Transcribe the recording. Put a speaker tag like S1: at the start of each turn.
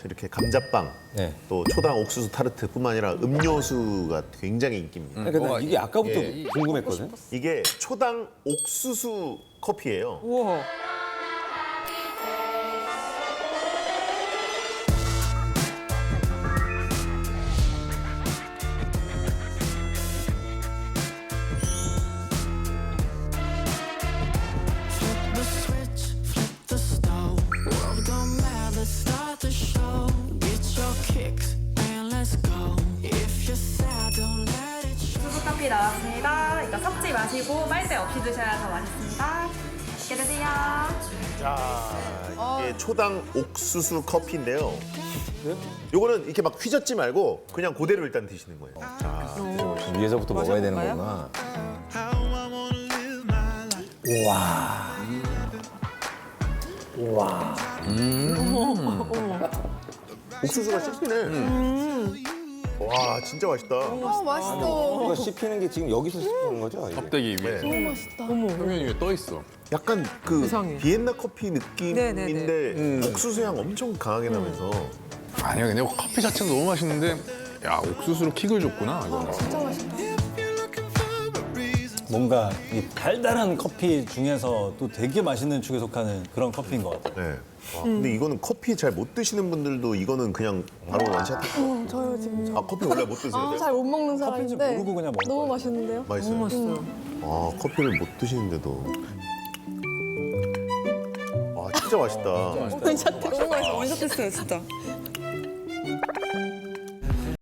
S1: 이렇게 감자빵,
S2: 네.
S1: 또 초당 옥수수 타르트뿐만 아니라 음료수가 굉장히 인기입니다.
S2: 그러니까 난 이게 아까부터 궁금했거든.
S1: 이게 초당 옥수수 커피예요.
S3: 우와.
S4: The switch, flip the stove. World don't matter, start the show. Get your kicks and let's go. If you're sad, don't let it show.
S5: 옥수수 커피 나왔습니다. 이거 섞지 마시고 빨대 없이 드셔야 더 맛있습니다. 맛있게 드세요.
S1: 자, 이게 초당 옥수수 커피인데요. 요거는 이렇게 막 휘젓지 말고 그냥 그대로 일단 드시는 거예요. 자,
S2: 위에서부터 먹어야 되는
S3: 마셔볼까요?
S2: 거구나. 우와. 우와.
S1: 옥수수가 씹히네. 와, 진짜 맛있다.
S2: 이거 씹히는 게 지금 여기서 씹히는 거죠? 이게?
S6: 껍데기 위에 표면 위에 떠 있어.
S1: 약간 그
S3: 세상에.
S1: 비엔나 커피
S3: 네네네.
S1: 느낌인데 옥수수 향 엄청 강하게 나면서
S6: 아니야, 근데 커피 자체는 너무 맛있는데 야 옥수수로 킥을 줬구나 이거는.
S7: 뭔가 이 달달한 커피 중에서 또 되게 맛있는 축에 속하는 그런 커피인 것 같아요.
S1: 네. 와, 근데 이거는 커피 잘 못 드시는 분들도 이거는 그냥 바로 원샷.
S8: 저요 지금
S1: 아, 커피 원래 못 드세요?
S8: 잘 못 먹는
S7: 커피인지
S8: 사람인데
S7: 모르고 그냥 먹을
S8: 너무
S7: 거예요.
S8: 맛있는데요?
S1: 맛있어요?
S3: 너무 맛있어요.
S1: 아, 커피를 못 드시는데도. 와, 진짜 맛있다.
S8: 원샷
S3: 너무 맛있어. 원샷 했어요, 진짜.